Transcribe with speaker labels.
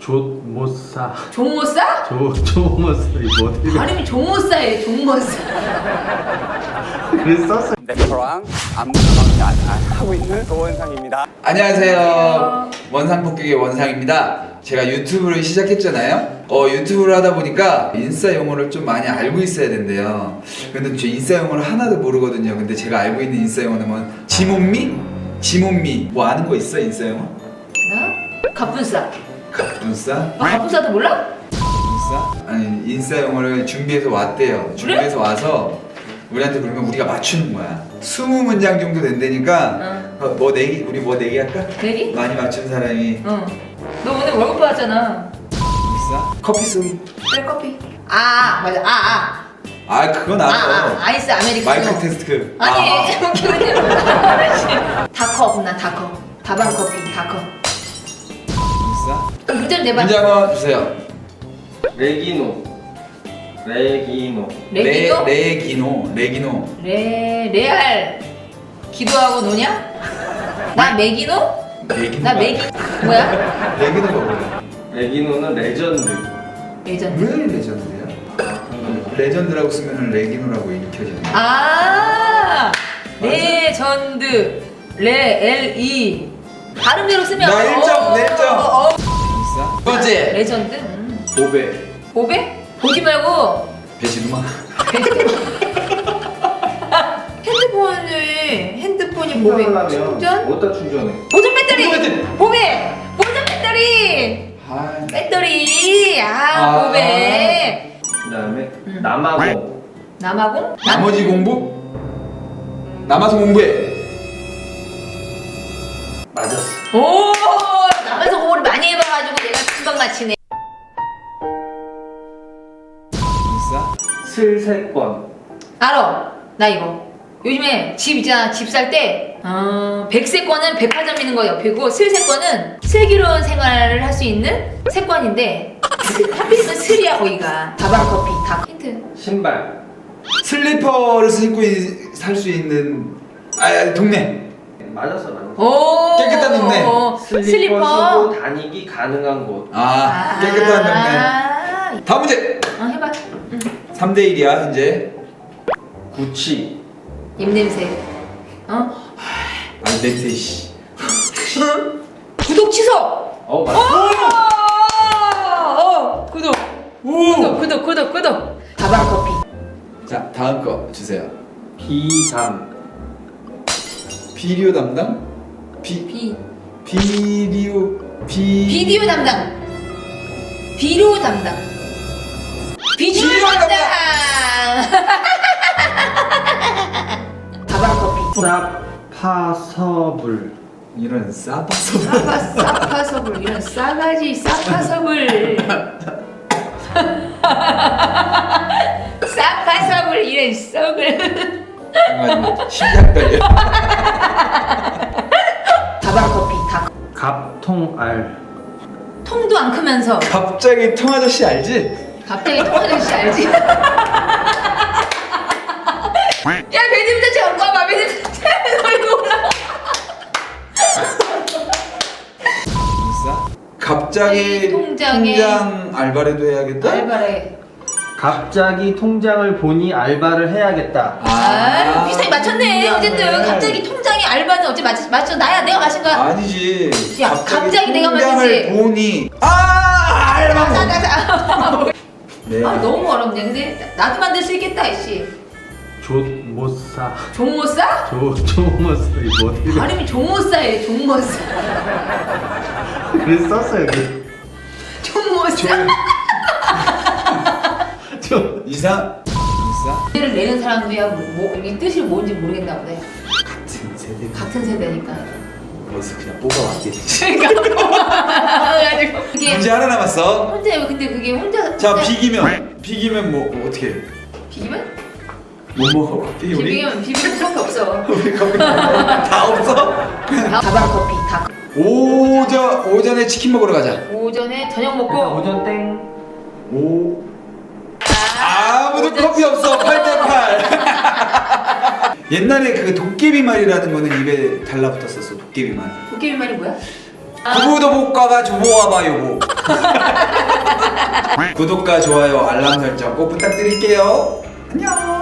Speaker 1: 조모사.
Speaker 2: 종모싸?
Speaker 1: 조모사 이거 어떻게
Speaker 2: 발음이 종모싸예요. 종모싸.
Speaker 1: 그래서 썼어요.
Speaker 3: 래퍼랑 안무 하고 있는 도원상입니다.
Speaker 4: 안녕하세요. 원상 폭격의 원상입니다. 제가 유튜브를 시작했잖아요. 유튜브를 하다 보니까 인싸 용어를 좀 많이 알고 있어야 된대요. 근데 저 인싸 용어를 하나도 모르거든요. 근데 제가 알고 있는 인싸 용어는 뭐 지몬미? 지몬미 뭐 아는 거 있어 인싸 용어?
Speaker 2: 나? 갑분싸.
Speaker 4: 갑분싸?
Speaker 2: 갑분싸도 몰라?
Speaker 4: 인싸? 아니 인싸 용어를 준비해서 왔대요. 준비해서 와서 우리한테 그러면 우리가 맞추는 거야. 20문장 정도 된다니까 뭐 내기 우리 뭐 내기 할까?
Speaker 2: 내기?
Speaker 4: 많이 맞춘 사람이
Speaker 2: 응. 너 오늘 월급 받았잖아.
Speaker 4: 인싸? 커피 쏘기.
Speaker 2: 그래 커피. 맞아.
Speaker 4: 아 그건 알아.
Speaker 2: 아이스 아메리카노.
Speaker 4: 마이크 테스트.
Speaker 2: 아니 기분이 다커 없나 다커. 다방 커피 다커.
Speaker 4: 인싸?
Speaker 2: 그럼 문제를 내봐.
Speaker 4: 문제 한번 주세요.
Speaker 1: 레기노.
Speaker 2: 레기노?
Speaker 4: 레기노.
Speaker 2: 레알 기도하고 노냐? 나 메기노?
Speaker 4: 레기노.
Speaker 2: 나 메기 뭐야?
Speaker 4: 레기노가 뭐야?
Speaker 1: 레기노는 레전드.
Speaker 2: 레전드.
Speaker 4: 왜 레전드야? 레전드라고 쓰면은 레기노라고 읽혀지네.
Speaker 2: 레전드 레LE 발음대로 쓰면
Speaker 4: 나 1점, 내 1점.
Speaker 2: 어.
Speaker 4: 인싸? 두 번째.
Speaker 2: 레전드?
Speaker 1: 보배.
Speaker 2: 보배? 보지 말고
Speaker 4: 배신우마.
Speaker 2: 핸드폰이 보배 충전?
Speaker 1: 어디다 충전해?
Speaker 2: 보존 배터리!
Speaker 4: 보존 배터리!
Speaker 2: 보배! 보존 배터리!
Speaker 4: 아,
Speaker 2: 배터리! 보배!
Speaker 1: 그다음에 남아공.
Speaker 2: 남아공?
Speaker 4: 나머지 공부? 남아서 공부해.
Speaker 1: 맞았어.
Speaker 2: 오! 남아서 공부를 많이 해봐가지고 내가 금방 맞히네.
Speaker 4: 인싸?
Speaker 1: 슬세권.
Speaker 2: 알어. 나 이거. 요즘에 집 있잖아. 집 살 때, 백세권은 백화점 있는 거 옆이고, 슬세권은 슬기로운 생활을 할 수 있는 세권인데, 하필이면 슬이야, 거기가. 다방커피, 다 힌트.
Speaker 1: 신발.
Speaker 4: 슬리퍼를 신고 살 수 있는 동네.
Speaker 1: 맞았어.
Speaker 2: 오!
Speaker 4: 깨끗한 동네.
Speaker 1: 슬리퍼 신고 다니기 가능한 곳.
Speaker 4: 깨끗한 동네. 다음 문제.
Speaker 2: 해봐.
Speaker 4: 3대 1이야 현재.
Speaker 1: 구치.
Speaker 2: 입냄새.
Speaker 4: 냄새 씨.
Speaker 2: 구독 취소!
Speaker 1: 맞았어.
Speaker 2: 구독.
Speaker 4: 오!
Speaker 2: 구독. 다방커피.
Speaker 4: 자 다음 거 주세요.
Speaker 1: 비담.
Speaker 4: 비디오 담당? 비디오
Speaker 2: 비디오 담당. 비료 담당. 비주얼
Speaker 4: 비료
Speaker 2: 담당. 다방커피.
Speaker 1: 사파서불.
Speaker 4: 이런 싸파서.
Speaker 2: 싸파서불 이런 싸가지 싸파서불. 싸파서불 이런 썩을.
Speaker 4: 정말 심장 떨려.
Speaker 2: 다방커피 다.
Speaker 1: 갑통알.
Speaker 2: 통도 안 크면서
Speaker 4: 갑자기 통아저씨 알지?
Speaker 2: 갑자기 통화전씨 알지? 야 배드민턴 쳐 갖고 와봐. 배드민턴 이거 올라와.
Speaker 4: 인싸? 갑자기
Speaker 2: 통장에
Speaker 4: 통장 알바라도 해야겠다?
Speaker 2: 알바래.
Speaker 1: 갑자기 통장을 보니 알바를 해야겠다.
Speaker 2: 비슷하게 맞췄네. 어쨌든 갑자기 통장에 알바는 어째 맞춰 나야 내가 마신 거야.
Speaker 4: 아니지.
Speaker 2: 야, 갑자기 내가
Speaker 4: 통장을
Speaker 2: 말했지.
Speaker 4: 보니 알바. 네.
Speaker 2: 너무 어렵네. 근데 나도 만들 수 있겠다 이씨.
Speaker 1: 조모사.
Speaker 2: 종모싸?
Speaker 1: 조모사 이거 어떻게
Speaker 2: 발음이 종모싸예요. 종모싸.
Speaker 1: 그래서 썼어요. 여기.
Speaker 2: 종모싸.
Speaker 4: 인싸?
Speaker 2: 를 내는 사람들이야 이게 뜻이 뭔지 모르겠나 보네.
Speaker 4: 같은 세대.
Speaker 2: 같은 세대니까.
Speaker 4: 그래서 그냥 뽑아왔지.
Speaker 2: 그러니까 그게
Speaker 4: 문제 하나 남았어.
Speaker 2: 혼자 근데 그게 혼자.
Speaker 4: 자 비기면 뭐 어떻게 해?
Speaker 2: 비기면?
Speaker 4: 못 먹어 커피 우리?
Speaker 2: 비비면 수밖에 없어.
Speaker 4: 우리 커피 다 없어?
Speaker 2: 다방커피 다.
Speaker 4: 오전에 치킨 먹으러 가자.
Speaker 2: 오전에 저녁 먹고.
Speaker 1: 오전 땡.
Speaker 4: 아무도
Speaker 2: 오전
Speaker 4: 커피 없어. 8대8. 옛날에 그 도깨비말이라는 거는 입에 달라붙었었어. 도깨비말.
Speaker 2: 도깨비 말이 뭐야?
Speaker 4: 구구도 못 가가 조보와봐 요보. 구독과 좋아요, 알람 설정 꼭 부탁드릴게요. 안녕.